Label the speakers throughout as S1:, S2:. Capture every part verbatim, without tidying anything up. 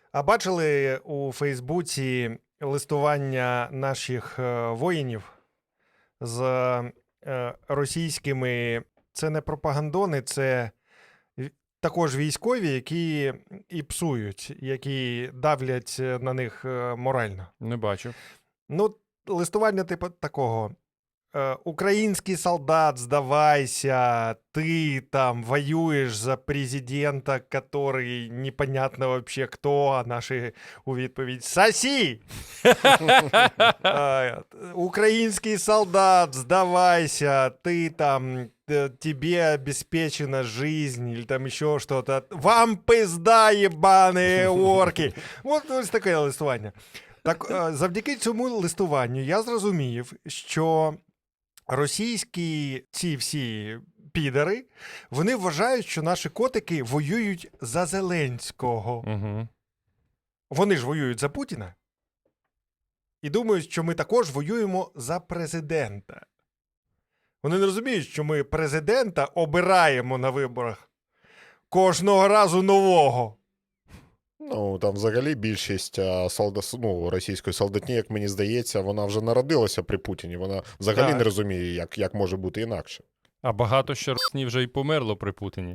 S1: А бачили у Фейсбуці листування наших е, воїнів з е, російськими, це не пропагандони, це в- також військові, які і псують, які давлять е, на них е, морально.
S2: Не бачив.
S1: Ну, листування типу такого. Е, Український солдат, здавайся, ти там воюєш за президента, який непонятно вообще хто, а наші у відповідь «Сосі!» Е, Український солдат, здавайся, ти там, э, тебе обеспечена жизнь, или там еще что-то. Вам пизда, ебаные орки. От ось таке листування. Так, е, завдяки цьому листуванню я зрозумів, що російські ці всі підари, вони вважають, що наші котики воюють за Зеленського.
S2: Угу.
S1: Вони ж воюють за Путіна. І думають, що ми також воюємо за президента. Вони не розуміють, що ми президента обираємо на виборах кожного разу нового.
S3: Ну, там взагалі більшість а, солдат, ну, російської солдатні, як мені здається, вона вже народилася при Путіні. Вона взагалі
S1: Так.
S3: не розуміє, як, як може бути інакше.
S2: А багато ще руснів вже й померло при Путіні.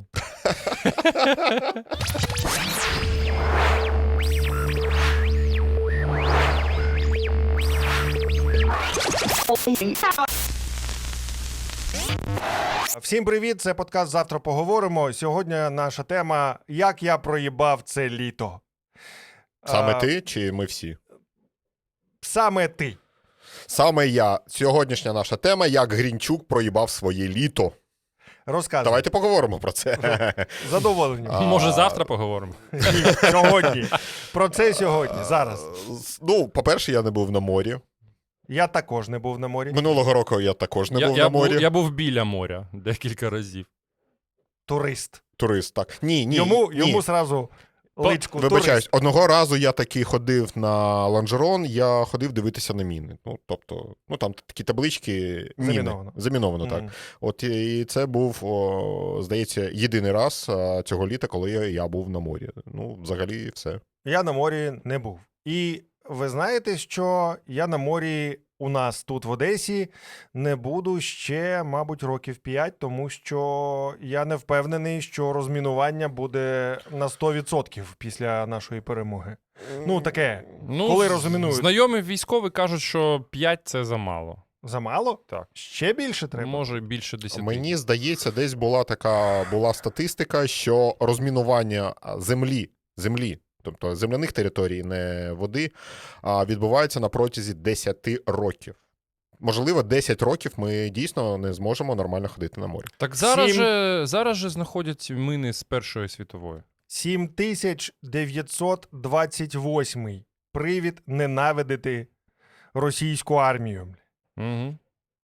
S1: Всім привіт, це подкаст «Завтра поговоримо». Сьогодні наша тема «Як я проїбав це літо».
S3: Саме
S1: А,
S3: ти чи ми всі?
S1: Саме ти.
S3: Саме я. Сьогоднішня наша тема, як Грінчук проїбав своє літо.
S1: Розказуй.
S3: Давайте поговоримо про це.
S1: Задоволені.
S3: А,
S2: Може, завтра поговоримо?
S1: Ні, сьогодні. Про це сьогодні, зараз.
S3: Ну, по-перше, я не був на морі.
S1: Я також не був на морі.
S3: Минулого року я також не
S2: я,
S3: був
S2: я
S3: на морі.
S2: Був, я був біля моря декілька разів.
S1: Турист.
S3: Турист, так. Ні, ні,
S1: Йому,
S3: ні.
S1: йому сразу личку
S3: Вибачаюсь,
S1: турист.
S3: одного разу я таки ходив на лонжерон, я ходив дивитися на міни. Ну, тобто, ну там такі таблички міни.
S1: Заміновано.
S3: Заміновано, так.
S1: Мгм.
S3: От і це був, о, здається, єдиний раз а, цього літа, коли я, я був на морі. Ну, взагалі, все.
S1: Я на морі не був. І ви знаєте, що я на морі у нас тут в Одесі не буду ще, мабуть, років п'ять, тому що я не впевнений, що розмінування буде на сто відсотків після нашої перемоги. Ну, таке,
S2: Ну,
S1: коли
S2: з-
S1: розмінують.
S2: Знайомі військові кажуть, що п'ять це замало.
S1: Замало?
S2: Так.
S1: Ще більше треба?
S2: Може, більше десяти.
S3: Мені здається, десь була така була статистика, що розмінування землі, землі, тобто земляних територій, не води, а відбувається на протязі десяти років. Можливо, десять років ми дійсно не зможемо нормально ходити на морі.
S2: Так зараз
S1: Сім-
S2: же, зараз же знаходять мини з Першої світової.
S1: сім тисяч дев'ятсот двадцять восьмий привід ненавидити російську армію.
S2: Угу.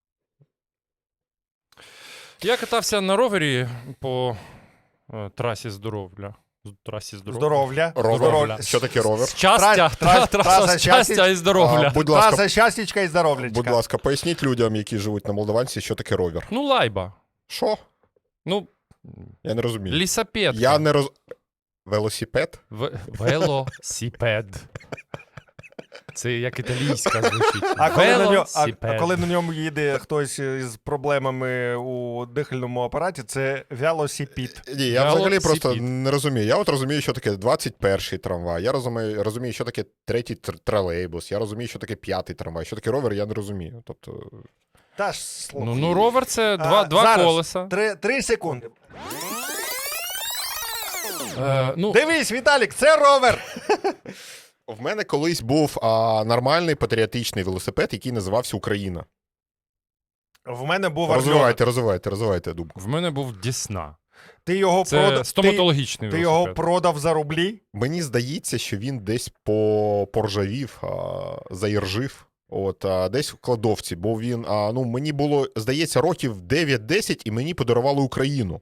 S2: Я катався на ровері по е, трасі здоров'я. З- Трасі здоров'я.
S1: Здоров'я.
S3: Ровер.
S1: Здоров'я.
S3: Що таке ровер?
S2: Щастя,
S1: Трас-
S2: тра-
S1: трас-
S2: траса
S1: траса
S2: щастя
S1: щастя.
S2: і здоров'я.
S3: А, будь ласка,
S1: Траса щастячка і здоров'ячка.
S3: будь ласка, поясніть людям, які живуть на Молдаванці, що таке ровер.
S2: Ну, лайба.
S3: Що?
S2: Ну,
S3: Я не розумію.
S2: лісапед.
S3: Я не роз... Велосипед?
S2: В... Велосипед. Це як італійська звучить.
S1: А коли, на ньому, а,
S2: Велосипед.
S1: а коли на ньому їде хтось із проблемами у дихальному апараті, це велосипед.
S3: Ні, я взагалі
S2: Велосипед.
S3: просто не розумію. Я от розумію, що таке двадцять перший трамвай, я розумію, розумію, що таке третій тр- тролейбус, я розумію, що таке п'ятий трамвай, що таке ровер, я не розумію. Тобто,
S1: Та ж слухай.
S2: Ну, ну, ровер це два,
S1: А,
S2: два
S1: зараз.
S2: колеса.
S1: Три, три секунди.
S2: Е, ну,
S1: Дивись, Віталік, це ровер.
S3: в мене колись був а, нормальний патріотичний велосипед, який називався Україна.
S1: В мене був Орльов.
S3: Розвивайте, розвивайте, розвивайте думку.
S2: в мене був Дісна.
S1: Ти його,
S2: Це
S1: прода... ти,
S2: стоматологічний
S1: ти
S2: велосипед.
S1: його продав за рублі?
S3: Мені здається, що він десь по... поржавів, а, заіржив. От, а, десь в кладовці, бо він, а, ну, мені було, здається, років дев'ять-десять, і мені подарували Україну.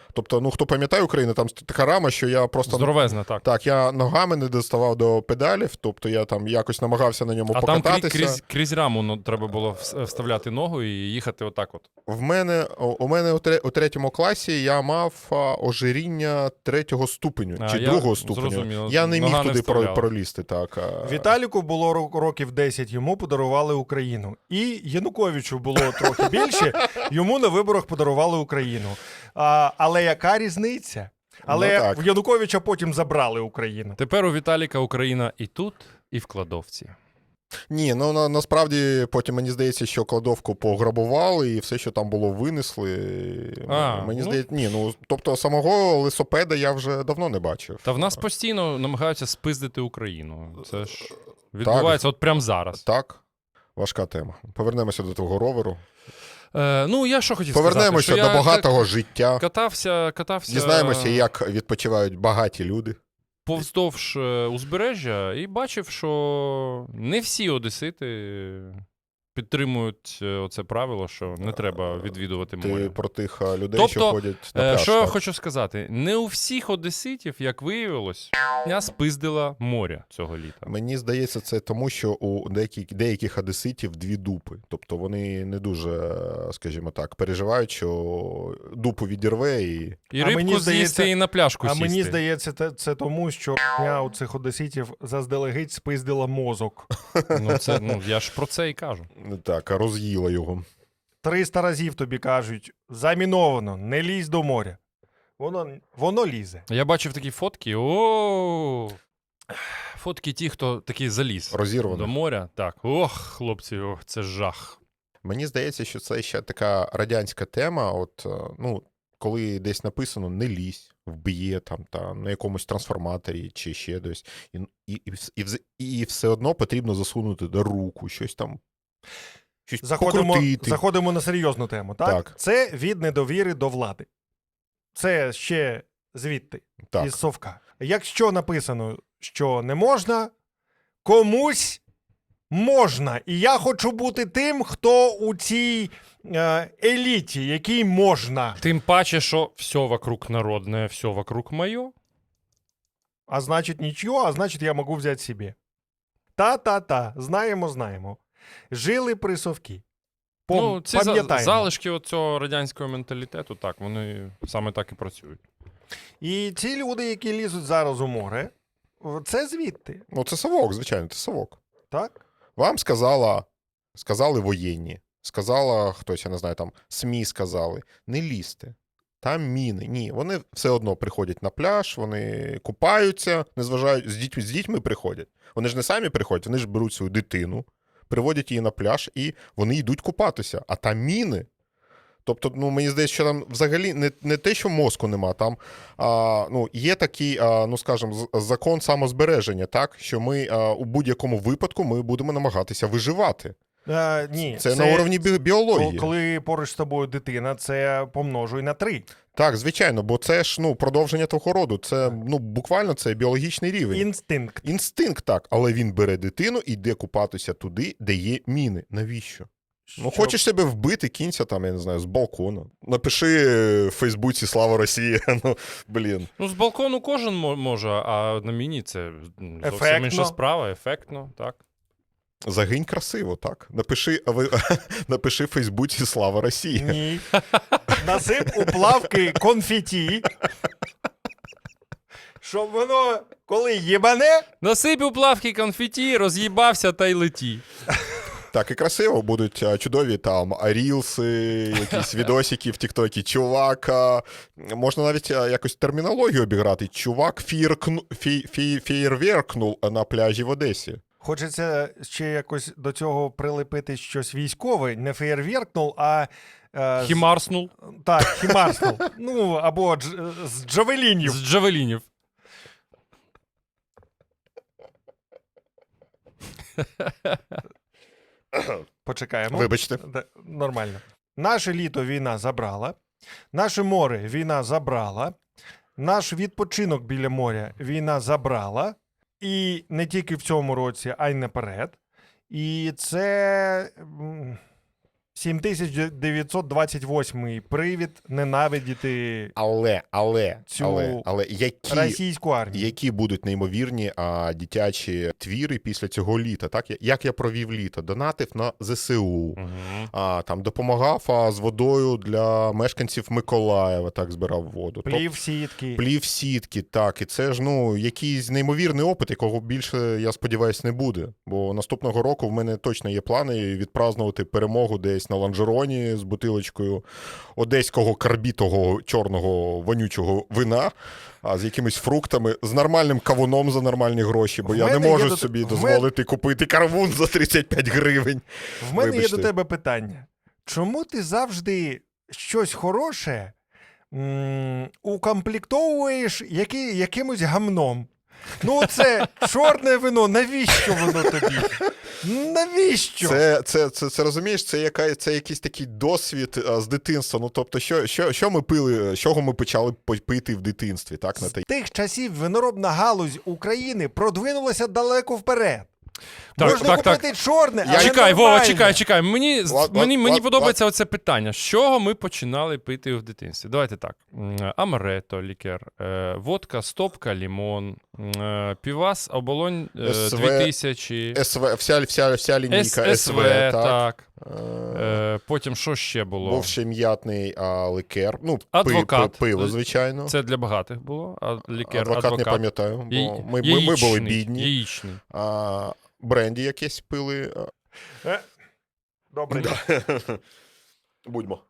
S3: Тобто, ну хто пам'ятає Україну, там така рама, що я просто...
S2: Здоровезна, так.
S3: Так, я ногами не доставав до педалів, тобто я там якось намагався на ньому
S2: А там
S3: покататися.
S2: крізь, крізь, крізь раму ну, треба було вс- вставляти ногу і їхати отак от.
S3: В мене, у мене у, тре, у третьому класі я мав а, ожиріння третього ступеню,
S2: А,
S3: чи
S2: я
S3: другого ступеню.
S2: зрозуміло.
S3: Я не міг
S2: Нога не
S3: туди про,
S2: вставляла.
S3: пролізти. Так. а.
S1: Віталіку було ро- років десять, йому подарували Україну. І Януковичу було трохи більше, йому на виборах подарували Україну. А, але яка різниця? Але
S3: Ну, так.
S1: в Януковича потім забрали Україну.
S2: Тепер у Віталіка Україна і тут, і в кладовці.
S3: Ні, ну на, насправді потім мені здається, що кладовку пограбували і все, що там було, винесли.
S2: А,
S3: мені
S2: ну.
S3: здається, ні, ну тобто самого лисопеда я вже давно не бачив.
S2: Та в нас постійно намагаються спиздити Україну. Це ж відбувається от прямо зараз.
S3: Так, важка тема. Повернемося до того роверу.
S2: Е, ну, я що хотів
S3: Повернемося
S2: сказати, що
S3: до
S2: я
S3: багатого життя.
S2: катався, катався
S3: Дізнаємося, як відпочивають багаті люди.
S2: повздовж е, узбережжя і бачив, що не всі одесити підтримують е, оце правило, що не треба відвідувати
S3: Ти
S2: море.
S3: про тих а, людей,
S2: Тобто,
S3: що ходять на
S2: Е,
S3: пляж.
S2: Що я
S3: так?
S2: хочу сказати, не у всіх одеситів, як виявилось, я спиздила море цього літа.
S3: Мені здається, це тому, що у деяких, деяких одеситів дві дупи. Тобто вони не дуже, скажімо так, переживають, що дупу відірве і...
S2: І
S1: А
S2: рибку
S1: мені
S2: з'їсти,
S1: здається-
S2: і на пляшку
S1: А
S2: сісти.
S1: мені здається, це, це тому, що я у цих одеситів заздалегідь спиздила мозок.
S2: Ну, це, ну, я ж про це і кажу.
S3: Так, роз'їла його.
S1: триста разів тобі кажуть, заміновано, не лізь до моря. Воно, воно лізе.
S2: Я бачив такі фотки. О, фотки ті, хто такий заліз
S3: Розірвано.
S2: до моря. Так, ох, хлопці, ох, це жах.
S3: Мені здається, що це ще така радянська тема. От, е, ну, коли десь написано «не лізь», вб'є там, та, на якомусь трансформаторі чи ще десь. І, і, і, вс- і, вз- і все одно потрібно засунути до руку, щось там. Щось
S1: Заходимо,
S3: покрутити.
S1: заходимо на серйозну тему. Так?
S3: Так.
S1: Це від недовіри до влади. Це ще звідти,
S3: Так.
S1: із совка. Якщо написано, що не можна, комусь можна. І я хочу бути тим, хто у цій е, еліті, якій можна.
S2: Тим паче, що все вокруг народне, все вокруг моє.
S1: А значить нічого, а значить я можу взяти собі. Та-та-та, знаємо, знаємо. Жили при совкі. Пом...
S2: Ну, ці за-
S1: пам'ятаємо.
S2: залишки от цього радянського менталітету, так, вони саме так і працюють.
S1: І ці люди, які лізуть зараз у море, це звідти,
S3: Ну, це совок, звичайно, це совок.
S1: так?
S3: Вам сказала, сказали воєнні, сказала хтось, я не знаю, там СМІ сказали, не лізьте. Там міни. Ні, вони все одно приходять на пляж, вони купаються, незважають, з дітьми, з дітьми приходять. Вони ж не самі приходять, вони ж беруть свою дитину, приводять її на пляж і вони йдуть купатися. А там міни. Тобто, ну, мені здається, що там взагалі не, не те, що мозку нема, там а, ну, є такий, а, ну, скажімо, з- закон самозбереження, так? Що ми а, у будь-якому випадку ми будемо намагатися виживати.
S1: Е, ні,
S3: Це, на уровні бі- біології.
S1: ко- Коли поруч з тобою дитина, це помножуй на три.
S3: Так, звичайно, бо це ж ну, продовження твого роду. Це ну, буквально це біологічний рівень.
S1: Інстинкт.
S3: Інстинкт так, але він бере дитину і йде купатися туди, де є міни. Навіщо? Ну,
S1: Щоб-
S3: хочеш себе вбити, кінця там, я не знаю, з балкона. Напиши в Фейсбуці «Слава Росії». Ну, блін.
S2: Ну, з балкону кожен мо- може, а на міні це м, зовсім
S1: Ефектно.
S2: інша справа, ефектно, так.
S3: Загинь красиво, так. Напиши, а ви, напиши в Фейсбуці «Слава Росії».
S1: Ні. Насип у плавки конфеті, щоб воно, коли їбане,
S2: Насип у плавки конфеті, роз'їбався та й леті.
S3: Так, і красиво будуть а, чудові там рілси, якісь відосики в Тіктокі. Чувак, а, можна навіть а, якось термінологію обіграти. Чувак фіркну, фі, фі, фєєрверкнув на пляжі в Одесі.
S1: хочеться ще якось до цього прилепити щось військове, не феєрверкнув, а... е, з-
S2: Хімарснул
S1: Так, хімарснув. Ну, або дж... з джавелінів.
S2: з джавелінів.
S1: Почекаємо.
S3: Вибачте.
S1: Да, нормально. Наше літо війна забрала, наше море війна забрала, наш відпочинок біля моря війна забрала, і не тільки в цьому році, а й наперед. І це м, сім тисяч дев'ятсот двадцять восьмий привід ненавидіти
S3: Але, але,
S1: Цю
S3: але, але які,
S1: російську армію.
S3: які будуть неймовірні а, дитячі твіри після цього літа? Так? Як я провів літо? Донатив на зе се у,
S2: Угу.
S3: а, там, допомагав а, з водою для мешканців Миколаєва, так, збирав воду.
S1: Плів сітки.
S3: Плів сітки, так. І це ж, ну, якийсь неймовірний опит, якого більше, я сподіваюся, не буде. Бо наступного року в мене точно є плани відпразнувати перемогу десь на ланжероні з бутилочкою одеського карбітого чорного вонючого вина, а з якимись фруктами, з нормальним кавуном за нормальні гроші, бо
S1: В
S3: я не
S1: мене є
S3: можу
S1: до-
S3: собі
S1: в
S3: дозволити купити кавун за тридцять п'ять гривень.
S1: В мене
S3: Вибачте.
S1: є до тебе питання. Чому ти завжди щось хороше м- укомплектовуєш які, якимось гамном? Ну це чорне вино, навіщо воно тобі? Навіщо?
S3: Це, це, це, це розумієш, це, яка, це якийсь такий досвід а, з дитинства. Ну, тобто, що, що, що ми пили, з чого ми почали пити в дитинстві, так? На
S1: З
S3: те-
S1: тих часів виноробна галузь України продвинулася далеко вперед.
S2: Так,
S1: Можна
S2: так, так.
S1: купити чорне,
S3: Я-
S1: але
S2: Чекай, Вова,
S1: нормальне.
S2: чекай, чекай. Мені,
S3: Лад-
S2: мені,
S3: лад-
S2: мені
S3: лад-
S2: подобається оце питання. З чого ми починали пити в дитинстві? Давайте так. М, Амарето, лікер, е, водка, стопка, лімон, е, півас, оболонь е,
S3: СВ,
S2: дві тисячі,
S3: СВ, вся, вся, вся лінійка
S2: С-
S3: СВ,
S2: СВ,
S3: так.
S2: так.
S3: Е,
S2: Е, потім що ще було?
S3: Був ще м'ятний а, ликер. Ну, пи-
S2: Адвокат.
S3: пи- пиво, звичайно.
S2: Це для багатих було, а лікер,
S3: адвокат,
S2: адвокат.
S3: не пам'ятаю, бо
S2: Я-
S3: ми, ми, ми були
S2: яєчний,
S3: бідні.
S2: Яєчний.
S3: А, бренді якесь пили.
S1: Е, Добре.
S3: Будьмо.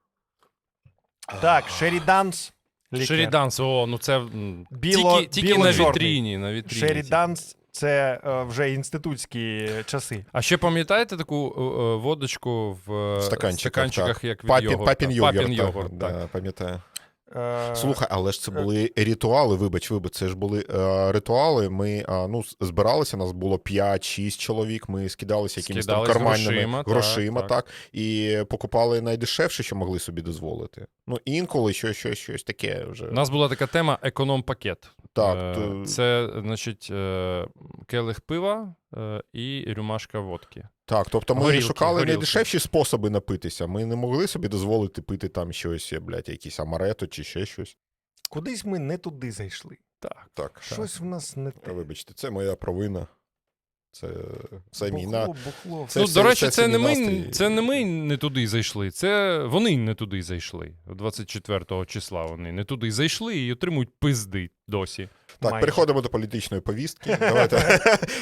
S1: Так, Шеріданс. лікер.
S2: Шеріданс, о, ну це м,
S1: Біло-
S2: тільки, тільки на
S1: біло-чорний.
S2: вітріні, на вітріні.
S1: Шеріданс це е, вже інститутські часи.
S2: А ще пам'ятаєте таку е, е, водочку в е,
S3: В стаканчиках,
S2: стаканчиках
S3: так.
S2: як від
S3: Папін,
S2: йогурта?
S3: папін йогурт.
S2: Папін
S3: так,
S2: йогурт, так.
S3: да, пам'ятаю.
S1: Е,
S3: Слухай, але ж це були ритуали, вибач, вибач, це ж були е, ритуали. Ми а, ну, з- збиралися, нас було п'ять-шість чоловік, ми скидалися якимись там
S2: Скидались
S3: карманними
S2: грошима, так,
S3: грошима,
S2: так.
S3: так, і покупали найдешевше, що могли собі дозволити. Ну, інколи щось, щось, щось таке вже.
S2: У нас була така тема економ-пакет.
S3: Так,
S2: Е,
S3: то-
S2: Це, значить, е, келих пива е, і рюмашка водки.
S3: Так, тобто ми
S2: Горілки,
S3: шукали
S2: горілки.
S3: найдешевші способи напитися. Ми не могли собі дозволити пити там щось, блядь, якісь амарето чи ще щось.
S1: Кудись ми не туди зайшли.
S2: Так.
S3: Так,
S1: Щось в нас не те.
S3: вибачте, це моя провина. Це, це мій на...
S1: Бухло, бухло.
S3: Це
S2: Ну,
S3: все-
S2: до речі,
S3: це
S2: це,
S3: все
S2: не
S3: мій
S2: ми,
S3: настрій.
S2: це не ми не туди зайшли, це вони не туди зайшли. двадцять четвертого числа вони не туди зайшли і отримують пизди досі.
S3: Так,
S1: Майже.
S3: переходимо до політичної повістки. Давайте.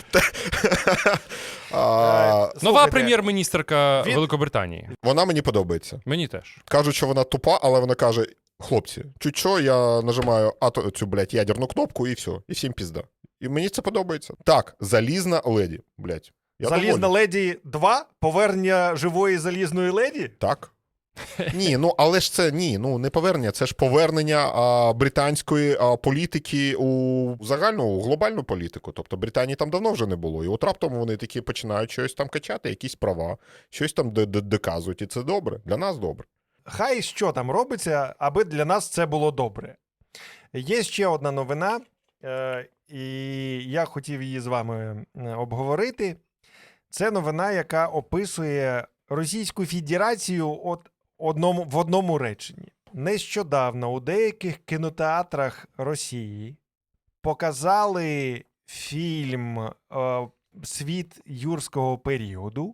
S3: А,
S1: Е,
S2: Нова
S1: слухайте,
S2: прем'єр-міністерка
S1: від-
S2: Великобританії.
S3: Вона мені подобається.
S2: Мені теж.
S3: Кажуть, що вона тупа, але вона каже: хлопці, чуть що, я нажимаю ато, цю, блядь, ядерну кнопку і все. І всім пізда. І мені це подобається. Так, залізна леді, блядь. Я
S1: Залізна
S3: доволі.
S1: леді два? Повернення живої залізної леді?
S3: Так. Ні, ну але ж це ні, ну не повернення, це ж повернення а, британської а, політики у загальну у глобальну політику. Тобто Британії там давно вже не було. І от раптом вони такі починають щось там качати, якісь права, щось там д- д- доказують. І це добре. Для нас добре.
S1: Хай що там робиться, аби для нас це було добре. Є ще одна новина, е, і я хотів її з вами е, обговорити. Це новина, яка описує Російську Федерацію от одному, в одному реченні. Нещодавно у деяких кінотеатрах Росії показали фільм е, «Світ юрського періоду»,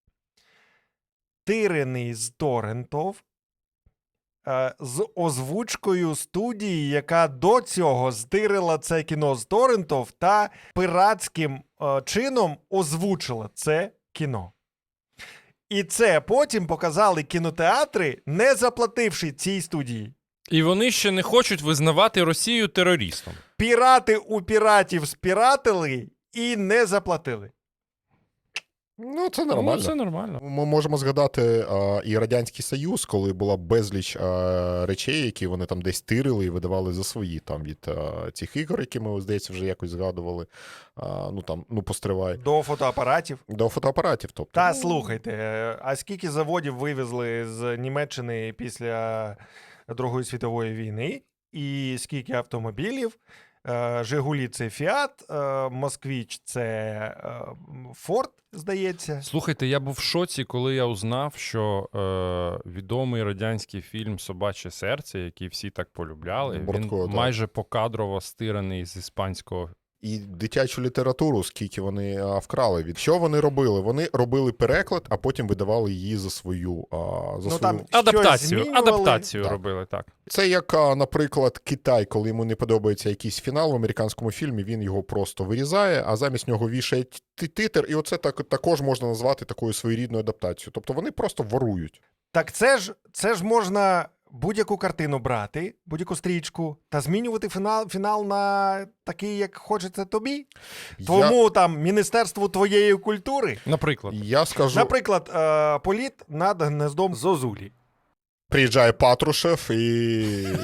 S1: тирений з торрентів, е, з озвучкою студії, яка до цього стирила це кіно з торрентів та пиратським е, чином озвучила це кіно. І це потім показали кінотеатри, не заплативши цій студії.
S2: І вони ще не хочуть визнавати Росію терористом.
S1: Пірати у піратів спіратили і не заплатили.
S3: Ну, це
S2: Ну,
S3: нормально.
S2: це нормально.
S3: Ми можемо згадати а, і Радянський Союз, коли була безліч а, речей, які вони там десь тирили і видавали за свої, там від а, цих ігор, які ми, здається, вже якось згадували. А, ну там, ну постривай.
S1: До фотоапаратів.
S3: До фотоапаратів, тобто.
S1: Та
S3: Ну,
S1: слухайте, е, а скільки заводів вивезли з Німеччини після Другої світової війни, і скільки автомобілів Е, Жигулі це Фіат, е, Москвіч це е, Форд, здається.
S2: Слухайте, я був в шоці, коли я узнав, що е, відомий радянський фільм «Собаче серце», який всі так полюбляли,
S3: Бортко,
S2: він
S3: так.
S2: майже покадрово стираний з іспанського.
S3: І дитячу літературу, скільки вони а, вкрали від. Що вони робили? Вони робили переклад, а потім видавали її за свою. А, за
S1: Ну,
S3: свою...
S1: там
S2: Адаптацію,
S1: змінювали.
S2: адаптацію
S3: Так.
S2: робили, так.
S3: Це як, а, наприклад, Китай, коли йому не подобається якийсь фінал в американському фільмі, він його просто вирізає, а замість нього вішає ті- титр, і оце так, також можна назвати такою своєрідною адаптацією. Тобто вони просто ворують.
S1: Так це ж, це ж можна будь-яку картину брати, будь-яку стрічку, та змінювати фінал, фінал на такий, як хочеться тобі. Тому там Міністерству твоєї культури.
S2: Наприклад.
S3: Я, я скажу,
S1: Наприклад, е, політ над гнездом Зозулі.
S3: приїжджає Патрушев і,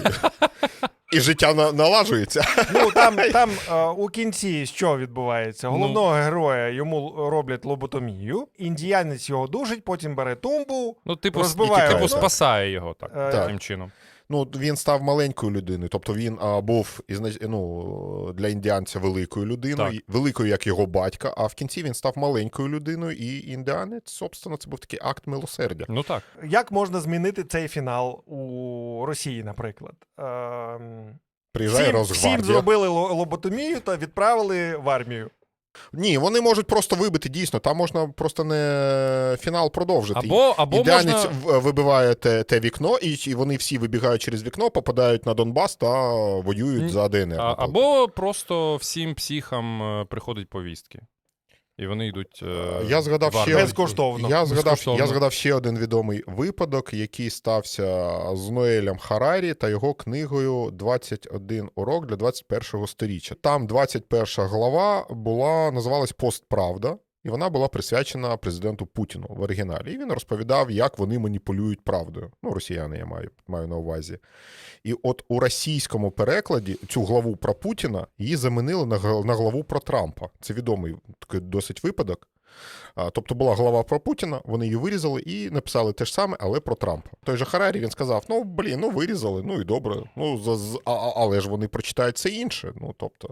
S3: і життя на... налажується.
S1: Ну, там, там е, у кінці що відбувається? Головного героя йому роблять лоботомію, індіянець його дужить, потім бере тумбу.
S2: Ну, типу,
S1: Розбиває
S2: типу
S3: воно.
S2: спасає його так,
S1: Е,
S2: таким чином.
S3: Ну, він став маленькою людиною, тобто він а, був ізнач... ну, для індіанця великою людиною,
S2: Так.
S3: і- великою, як його батька, а в кінці він став маленькою людиною, і індіанець, собственно, це був такий акт милосердя.
S2: Ну так.
S1: Як можна змінити цей фінал у Росії, наприклад? Ем,
S3: Приїжджає
S1: всім,
S3: Росгвардія.
S1: всім зробили ло- лоботомію та відправили в армію.
S3: Ні, вони можуть просто вибити, дійсно, там можна просто не фінал продовжити.
S2: Або, або
S3: Індіанець
S2: можна...
S3: в- вибиває те, те вікно, і, і вони всі вибігають через вікно, попадають на Донбас та воюють
S2: Ні.
S3: за ДНР.
S2: А,
S3: наприклад.
S2: або просто всім психам е, приходять повістки. І вони йдуть. Е,
S3: Я згадав
S2: в армію.
S3: ще-
S1: Безкоштовно.
S3: Я згадав,
S2: Безкоштовно.
S3: я згадав ще один відомий випадок, який стався з Ноелем Харарі та його книгою «двадцять один урок для двадцять першого сторіччя». Там двадцять перша глава була, називалась «Постправда», і вона була присвячена президенту Путіну в оригіналі. І він розповідав, як вони маніпулюють правдою. Ну, росіяни я маю, маю на увазі. І от у російському перекладі цю главу про Путіна її замінили на гл- на главу про Трампа. Це відомий такий досить випадок. А, Тобто була глава про Путіна, вони її вирізали і написали те ж саме, але про Трампа. Той же Харарі, він сказав, ну, блін, ну вирізали, ну і добре, ну, за- з- а- а- але ж вони прочитають це інше. Ну, тобто,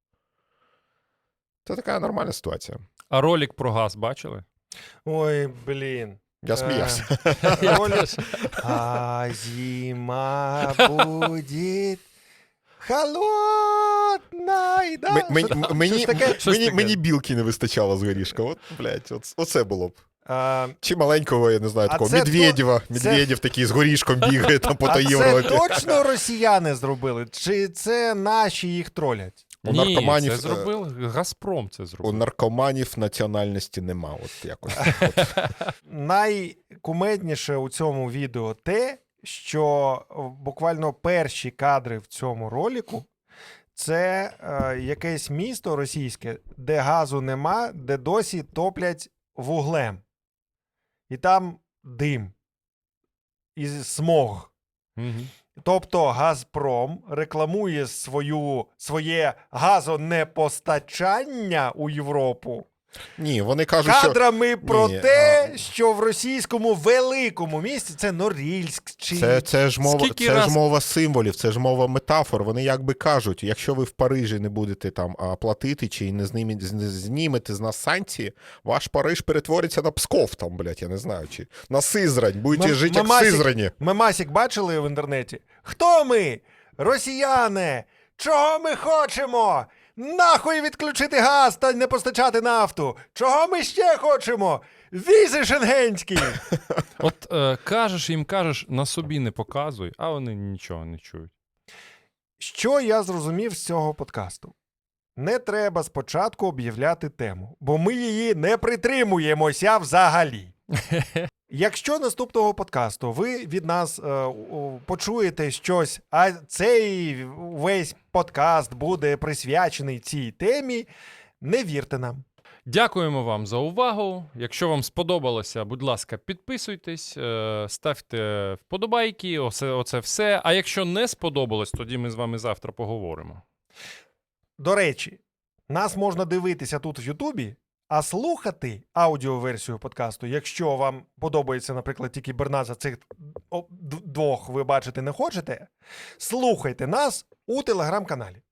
S3: це така нормальна ситуація.
S2: А ролик про газ бачили?
S1: Ой, блін.
S3: Я сміявся.
S1: Е, ролик. А зима буде холодна. Да?
S3: М- мені-
S1: Що-
S3: м- Мені,
S1: щось таке?
S2: Щось
S3: мені,
S2: таке.
S3: мені білки не вистачало з горішка. От, блядь, от, оце було б.
S1: А,
S3: Чи маленького, я не знаю,
S1: А
S3: такого
S1: це
S3: Медведєва.
S1: то-
S3: Медведєв такий з горішком бігає там по
S1: а
S3: той
S1: це
S3: Європі.
S1: точно росіяни зробили? Чи це наші їх тролять?
S3: У
S2: Ні,
S3: наркоманів,
S2: це
S3: е,
S2: зробив Газпром. Це
S3: У
S2: зробив.
S3: наркоманів національності нема. От якось.
S1: Найкумедніше у цьому відео те, що буквально перші кадри в цьому ролику це е, якесь місто російське, де газу нема, де досі топлять вуглем. І там дим і смог.
S2: Мгм.
S1: Тобто Газпром рекламує свою, своє газонепостачання у Європу
S3: Ні, вони кажуть, що
S1: кадрами про
S3: Ні,
S1: те,
S3: а-
S1: що в російському великому місті це Норильськ чи
S3: це, це, ж мова,
S2: Скільки
S3: це
S2: раз-
S3: ж мова символів, це ж мова метафор. Вони якби кажуть, якщо ви в Парижі не будете там а, платити чи не знімете, не знімете з нас санкції, ваш Париж перетвориться на Псков там, блядь, я не знаю, чи на Сизрань. Будете
S1: Мем-
S3: жити як в
S1: мемасик-
S3: Сизрані.
S1: Мемасік бачили в інтернеті? Хто ми? Росіяни! Чого ми хочемо? Нахуй відключити газ та не постачати нафту! Чого ми ще хочемо? Візи шенгенські!
S2: От е, кажеш їм, кажеш, на собі не показуй, а вони нічого не чують.
S1: Що я зрозумів з цього подкасту? Не треба спочатку об'являти тему, бо ми її не притримуємося взагалі. Якщо наступного подкасту ви від нас е, у- почуєте щось, а цей весь подкаст буде присвячений цій темі, не вірте нам.
S2: Дякуємо вам за увагу. Якщо вам сподобалося, будь ласка, підписуйтесь, е, ставте вподобайки, оце, оце все. А якщо не сподобалось, тоді ми з вами завтра поговоримо.
S1: До речі, нас можна дивитися тут в Ютубі, а слухати аудіоверсію подкасту, якщо вам подобається, наприклад, тільки Берназа, цих о, д- двох ви бачити не хочете, слухайте нас у телеграм-каналі.